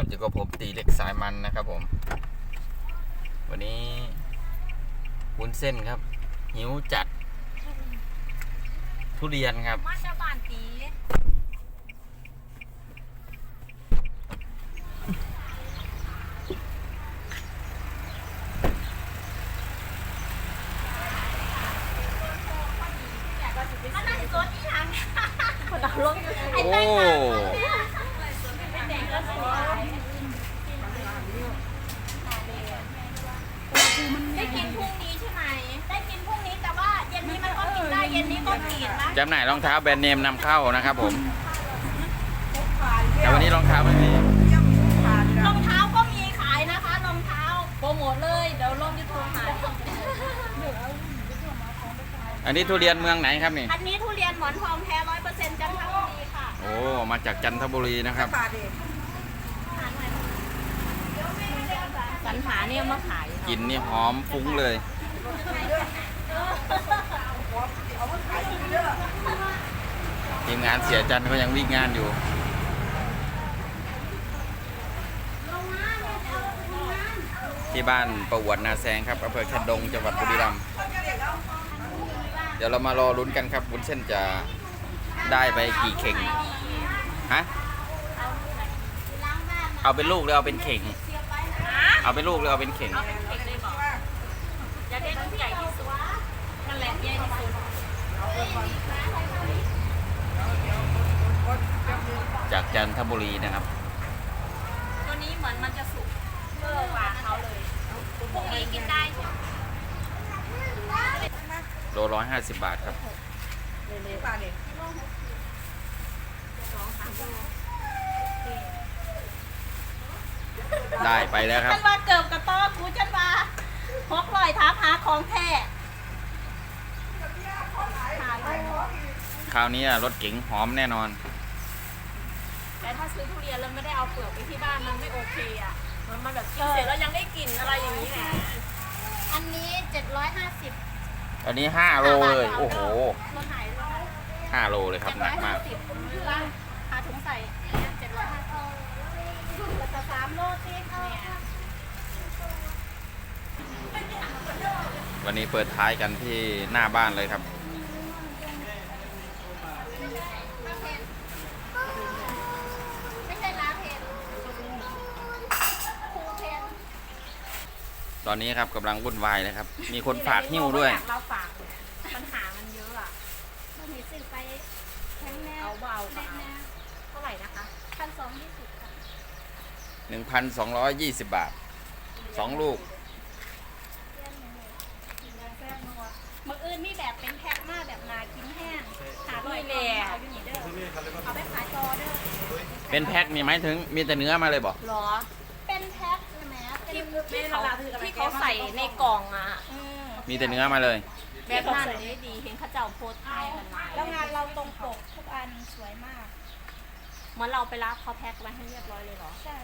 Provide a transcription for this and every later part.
ครับอยู่กับผมตีเล็กสายมันนะครับผมวันนี้วุ้นเส้นครับหิวจัดทุเรียนครับมาจากบ้านตีมันน่าจะสดอีหยังคนเอาลงไอ้แตงมาแตงก็สวยได้กินพรุ่งนี้ใช่ไหมได้กินพรุ่งนี้แต่ว่าเย็นนี้มันก็กินได้เย็นนี้ก็กินนะจำหน่ายรองเท้าแบรนด์เนมนำเข้านะครับผมแต่วันนี้รองเท้าไม่มีรองเท้าก็มีขายนะคะรองเท้าโปรโมทเลยเดี๋ยวลงยูทูบหาอันนี้ทุเรียนเมืองไหนครับนี่อันนี้ทุเรียนหมอนทองแท้ 100% จันทบุรีค่ะโอ้มาจากจันทบุรีนะครับสรรหาเนี่ยมาขายกลิ่นนี่หอมฟุ้งเลยทีมงานเสียจันก็ยังวิ่งงานอยู่ที่บ้านประวัตินาแซงครับอำเภอแคนดงจังหวัดบุรีรัมย์เดี๋ยวเรามารอลุ้นกันครับวุ้นเส้นจะได้ไปกี่เข่งฮะเอาเป็นลูกหรือเอาเป็นเข่งเอาเป็นลูกหรือเอาเป็นเข่งจะได้ลูกใหญ่ที่สุดนั่นแหละใหญ่ที่สุดจากจันทบุรีนะครับตัวนี้เหมือนมันจะสุกเพิ่มกว่าเขาเลยพรุ่งนี้กินได้ใช่ไหมโล150 บาทครับได้ไปแล้วครับฉันว่าเกิบกับต้อกูฉันว่าฮอกลอยท้าหาของแท้คราวนี้รถเก๋งหอมแน่นอนแต่ถ้าซื้อทุเรียนแล้วไม่ได้เอาเปลือกไปที่บ้านมันไม่โอเคอ่ะมันแบบกินเสร็จแล้วยังได้กลิ่นอะไรอย่างนี้ไงอันนี้750 อันนี้5 โลเลยโอ้โหรถหาย 5 โลเลยครับหนักมากหาถุงใส่750แล้วก็3 โลสิวันนี้เปิดท้ายกันที่หน้าบ้านเลยครับตอนนี้ครับกำลังวุ่นวายเลยครับมีคนฝากหิ้วด้วยเราฝากปัญหามันเยอะอ่ะเรามีซื้อไปแข็งแน่เอาเบาเท่าไหร่นะคะ1,220ค่ะ 1,220 บาท2 ลูกมื้ออื่นมีแบบเป็นแพ็คมาแบบนากินแห้งหาด้วยแหละเอาไปขายต่อเด้อเป็นแพ็คมีไหมถึงมีแต่เนื้อมาเลยบอกหรอเป็นแพ็คใช่ไหมที่เขาใส่ในกล่องอ่ะมีแต่เนื้อมาเลยแบบนั้นได้ดีเห็นเขาเจ้าโพสต์ไทยกันมาแล้วงานเราตรงปกทุกอันสวยมากเหมือนเราไปรับเขาแพ็คไว้ให้เรียบร้อยเลยเหรอใช่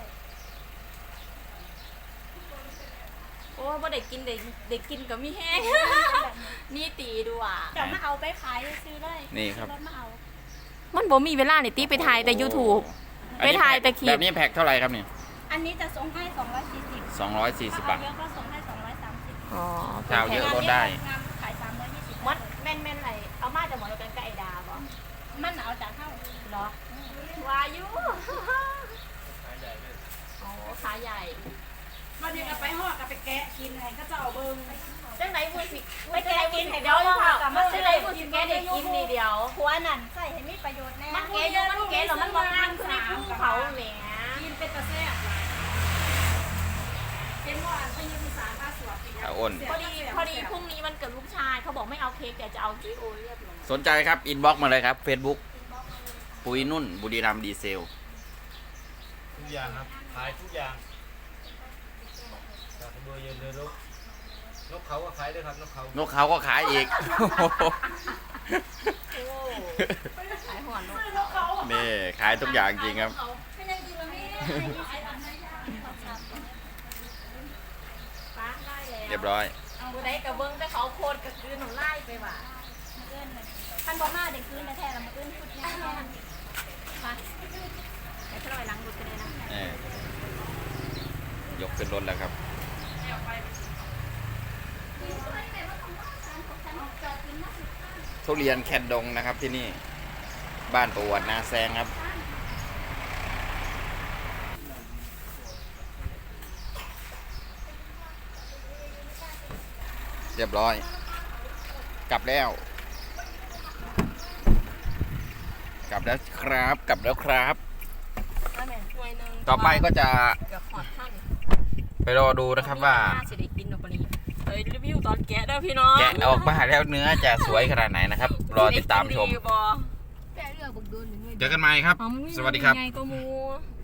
โอ้บ่ได้กินเด็กกินกับมีแห้งนี่ตีดูอ่ะเดี๋ยวมาเอาไปขายซื้อเลยนี่ครับมันบ่มีเวลาเนี่ยตีไปถ่ายแต่ YouTube ไปถ่ายแต่คลิปแบบนี้แพ็คเท่าไหร่ครับนี่อันนี้จะส่งให้240 บาทเยอะก็ส่งให้230 อ๋อเจ้าเยอะลดได้ขาย320มัดแม่นๆไหนเอามาจากหมอเดียวกันกับไอ้ดาบ่มันเอาจากเท่าเหรอวายุอ๋อขาใหญ่มาเดี๋ยวไปห่อกับไปแกะกินให้เขาจะเอาเบิ้งจังไหนบุญสิไปแกะกินให้เดี๋ยวค่ะจังไหนบุญสิแกะได้กินนี่เดียวหัวนั่นใส่ให้มีประโยชน์แน่มันแกะเยอะมันแกะหรอมันบางงานคือในภูเขาแหมกินเป็นตะแซ่บเป็นว่าอันที่มีสารผ้าสวดอ้นพอดีพรุ่งนี้มันเกิดลูกชายเขาบอกไม่เอาเค้กแต่จะเอากิโอเรียบร้อยสนใจครับอินบ็อกมาเลยครับ Facebook ปุ๋ยนุ่นบุรีรัมย์ดีเซลทุกอย่างครับขายทุกอย่างจากเบอร์เย็นเลยนกเขาก็ขายด้วยครับนกเขาก็ขายอีกขายหัวนกนี่ขายทุกอย่างจริงครับเรียบร้อยกูได้กระเบื้องแต่เขาโคตรกระคืนหนูไล่ไปว่ะท่านบอกมาเด็กคืนแท้ๆแล้วมาคืนพุดแน่ๆมาไอ้พลอยล้างบุตรกันเลยนะยกขึ้นรถแล้วครับทุเรียนแคนดงนะครับที่นี่บ้านประวัตินาแซงครับเรียบร้อยกลับแล้วครับกลับแล้วครับ ต่อไปก็จะไปรอดูนะครับว่าสิได้กินดอกปนี้เฮ้ยรีวิวตอนแกะเด้อพี่น้องแกะออกมาแล้วเนื้อจะสวยขนาดไหนนะครับ รอติดตามชมแปะเรือบุกโดนเจอกันใหม่ครับ สวัสดีครับไงก็มู